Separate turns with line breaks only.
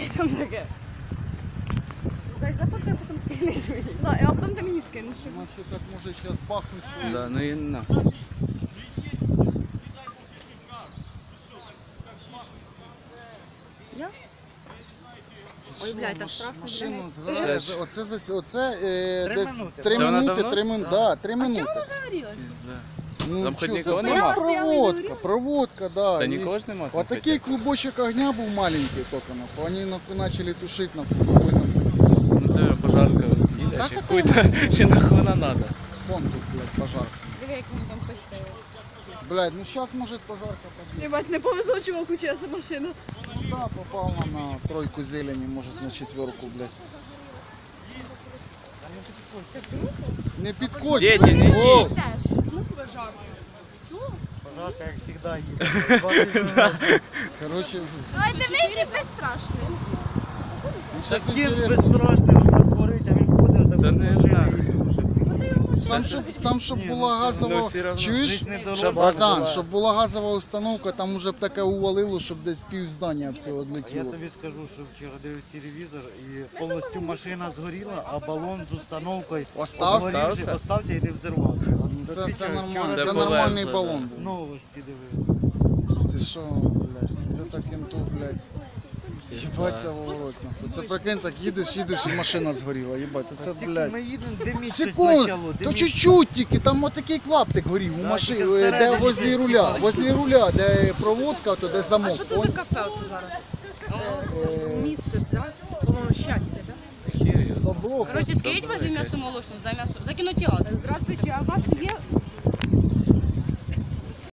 Там таке. Дай зафоткай, потім скинеш мені. Да, а потім ти мені скинеш.
У нас ще так може зараз бахнуть, що...
Да, ну і на.
Я? Ой, блядь, так страшно.
Машина
блядь.
згорає. Оце десь
минути.
3
Це вона
минути,
давно?
3 минути. Да, 3
А чому
минути.
вона загорілася?
Пізда.
Ну,
Там хоч
що,
нікого
це
нема?
проводка, да.
Та
І
нікого ж нема.
вот такий клубочок огня був маленький тільки, нахуй. Вони почали тушити, нахуй.
Ну це пожарка їде,
Так,
чи
это-
хуй-то, чи нахуй вона надо.
Вон тут, блядь, пожар.
Диви, як вони там пустили.
Блядь, ну зараз може пожарка побіде.
Єбать, не повезло чуваку, чия це машина.
Ну да, попав на тройку зелені, може на четверку, блядь. Не підходь,
Діти,
блядь.
не
О!
Пожарка, як завжди, їде.
Короче,
Ой, диви, який безстрашний.
ну, зараз
Таким
інтересно.
безстрашним, він горить, а він ходить.
Та не нахуй.
Там, щоб була газова,
Ну, все равно.
чуєш?
Жить не дорога.
Щоб
Братан,
була.
щоб була газова установка, там уже б таке увалило, щоб десь пів здання все
А я
відлетіло.
тобі скажу, що вчора дивився телевізор і повністю машина згоріла, а балон з установкою
Остався?
обгорівши, остався і не взорвався.
Ну,
Та
Це
ти що,
нормально,
вчора
це
Це
нормальний
повезло,
балон був.
новості дивився.
Ти що, блядь, це так кенту, блядь. Їбать того в рот, нахуй. Це прикинь, так їдеш і машина згоріла, їбать, це,
Тільки
блядь.
ми їдемо, де місяць
Секунд,
почало, де
то
місяць.
чуть-чуть тільки, там отакий клаптик горів у
Да,
машині,
тільки
де
всередині
возле руля, де проводка, то де
А
замок.
що це за кафе оце зараз? Містес, да? По-моєму, щастя, да?
Хір його знає.
Добро.
Коротше, скажіть возле м'ясо молочного, за кінотеатр.
Здравствуйте, а у вас є